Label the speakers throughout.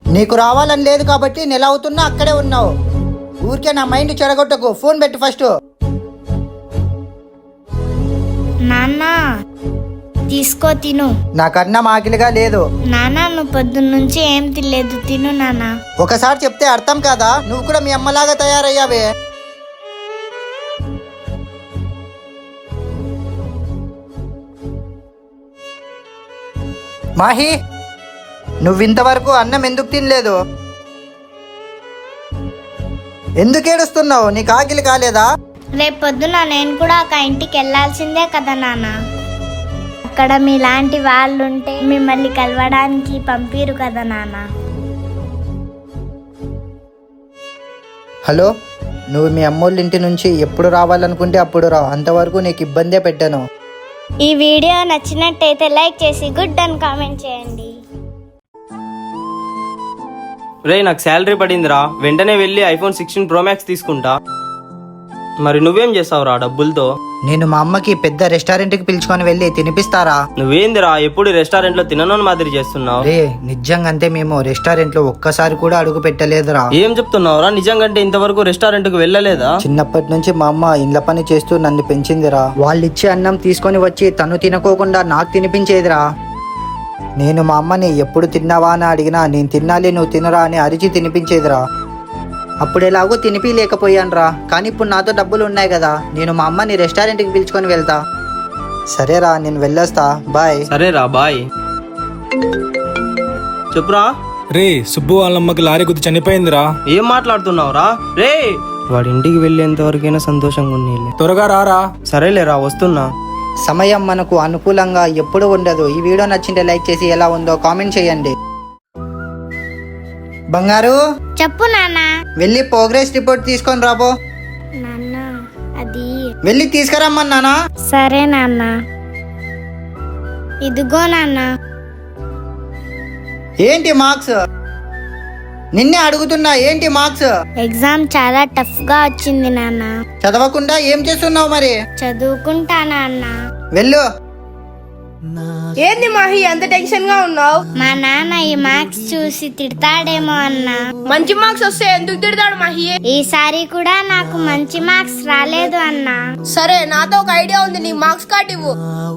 Speaker 1: నీకు రావాలని లేదు కాబట్టి నెల అవుతున్నా అక్కడే ఉన్నావు. ఊరికే నా మైండ్ చెడగొట్టకు. ఫోన్ పెట్టు ఫస్ట్.
Speaker 2: నాన్న తీసుకో తిను.
Speaker 1: నాకన్నా ఆకలిగా లేదు.
Speaker 2: నాన్న నువ్వు పొద్దున్న నుంచి ఏం తినలేదు, తిను నాన్న.
Speaker 1: ఒకసారి చెప్తే అర్థం కాదా? నువ్వు కూడా మీ అమ్మలాగా తయారయ్యావే. మాహి, నువ్వింతవరకు అన్నం ఎందుకు తినలేదు? ఎందుకు ఏడుస్తున్నావు? నీకు ఆకలి కాలేదా?
Speaker 2: రేపు పొద్దున నేను కూడా ఒక ఇంటికి వెళ్ళాల్సిందే కదా నాన్న. అక్కడ మీలాంటి వాళ్ళుంటే మిమ్మల్ని కలవడానికి పంపిరు కదా నాన్న.
Speaker 1: హలో, నువ్వు మీ అమ్మోళ్ళ ఇంటి నుంచి ఎప్పుడు రావాలనుకుంటే అప్పుడు రా. అంతవరకు నీకు ఇబ్బందే పెట్టాను.
Speaker 2: ఈ వీడియో నచ్చినట్టయితే లైక్ చేసి గుడ్ అని కామెంట్ చేయండి.
Speaker 3: రే, నాకు శాలరీ పడిందిరా, వెంటనే వెళ్ళి ఐఫోన్ 16 Pro Max తీసుకుంటా. మరి నువ్వేం చేస్తావురా డబ్బులతో?
Speaker 1: నేను మా అమ్మకి పెద్ద రెస్టారెంట్కి పిలుచుకొని వెళ్ళి తినిపిస్తారా.
Speaker 3: నువ్వేందిరా ఎప్పుడు రెస్టారెంట్ లో తినను మాదిరి చేస్తున్నావు?
Speaker 1: రే, నిజంగంతే మేము రెస్టారెంట్ లో ఒక్కసారి కూడా అడుగు పెట్టలేదురా.
Speaker 3: ఏం చెప్తున్నావురా? నిజంగంటే ఇంతవరకు రెస్టారెంట్ కు వెళ్ళలేదా?
Speaker 1: చిన్నప్పటి నుంచి మా అమ్మ ఇండ్ల పని చేస్తూ నన్ను పెంచిందిరా. వాళ్ళిచ్చే అన్నం తీసుకొని వచ్చి తను తినకోకుండా నాకు తినిపించేదిరా. నేను మా అమ్మని ఎప్పుడు తిన్నావా అని అడిగినా నేను తినాలి నువ్వు తినరా అని అరిచి తినిపించేదిరా. అప్పుడు ఎలాగో తినిపి లేకపోయానురా. కానీ ఇప్పుడు నాతో డబ్బులు ఉన్నాయి కదా, నేను మా అమ్మని రెస్టారెంట్కి పిలుచుకొని వెళ్తా. సరేరా, నేను వెళ్ళొస్తా. బాయ్.
Speaker 3: సరేరా, బాయ్. చెప్పురా.
Speaker 4: రే, సుబ్బు వాళ్ళమ్మకి లారీ గుద్ది చనిపోయిందిరా.
Speaker 3: ఏం మాట్లాడుతున్నావురా? రే, వాడి ఇంటికి వెళ్ళేంత వరకైనా సంతోషంగా ఉండేలే.
Speaker 4: త్వరగా రారా.
Speaker 3: సరేలేరా, వస్తున్నా.
Speaker 1: సమయం మనకు అనుకూలంగా ఎప్పుడు ఉండదు. ఈ వీడియో నచ్చింటే లైక్ చేసి ఎలా ఉందో కామెంట్ చేయండి. బంగారు,
Speaker 2: చెప్పు నాన్న.
Speaker 1: వెళ్ళి ప్రోగ్రెస్ రిపోర్ట్ తీసుకొని రాబో.
Speaker 2: నాన్న అది
Speaker 1: వెళ్ళి తీసుకురమ్మన్నానా?
Speaker 2: సరే నాన్న. ఇదిగో నాన్న.
Speaker 1: ఏంటి మార్క్స్? నిన్నే అడుగుతున్నా, ఏంటి మార్క్స్?
Speaker 2: ఎగ్జామ్ చాలా టఫ్ గా వచ్చింది నాన్న.
Speaker 1: చదవకుండా ఏం చేస్తున్నావు మరి?
Speaker 2: చదువుకుంటా నాన్న.
Speaker 1: వెళ్ళు.
Speaker 5: ఏంది మాహి అంత టెన్షన్ గా ఉన్నావు?
Speaker 2: మా నాన్న ఈ మార్క్స్ చూసి తిడతాడేమో అన్నా.
Speaker 5: మంచి మార్క్స్ వస్తే ఎందుకు తిడతాడు మాహి?
Speaker 2: ఈసారి కూడా నాకు మంచి మార్క్స్ రాలేదు అన్నా.
Speaker 5: సరే, నాతో ఒక ఐడియా ఉంది, నీ మార్క్స్ కార్డ్ ఇవ్వు.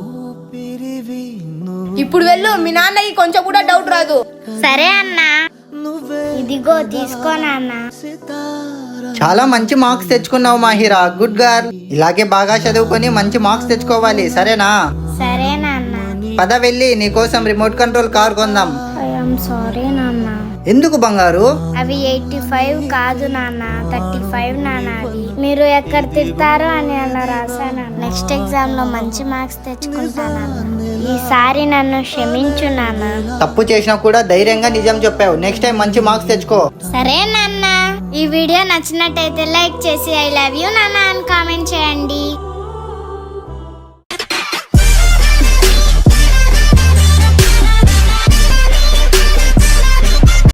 Speaker 5: ఇప్పుడు వెళ్ళు, మీ నాన్నకి కొంచెం కూడా డౌట్ రాదు.
Speaker 2: సరే అన్నా. ఇదిగో తీసుకో నాన్న.
Speaker 1: చాలా మంచి మార్క్స్ తెచ్చుకున్నావు మాహిరా. Good girl. ఇలాగే బాగా చదువుకొని మంచి మార్క్స్ తెచ్చుకోవాలి, సరేనా?
Speaker 2: సరే నాన్న.
Speaker 1: పద, వెళ్ళి నీకోసం రిమోట్ కంట్రోల్ కార్ కొందాం.
Speaker 2: ఐఎమ్ సారీ నాన్న.
Speaker 1: ఎందుకు బంగారు?
Speaker 2: అవి 85 కాదు నాన్న, 35 నాన్న. అవి మీరు ఎక్కడ తిడతారో అని అలా రాశాను. నెక్స్ట్ ఎగ్జామ్ లో మంచి మార్క్స్ తెచ్చుకుంటాను. ఈసారి నన్ను క్షమించు నాన్న.
Speaker 1: తప్పు చేసినా కూడా ధైర్యంగా నిజం చెప్పావు. నెక్స్ట్ టైం మంచి మార్క్స్ తెచ్చుకో.
Speaker 2: సరే నాన్న. ఈ వీడియో నచ్చినట్టయితే లైక్ చేసి ఐ లవ్ యూ నాన్న అని కామెంట్ చేయండి.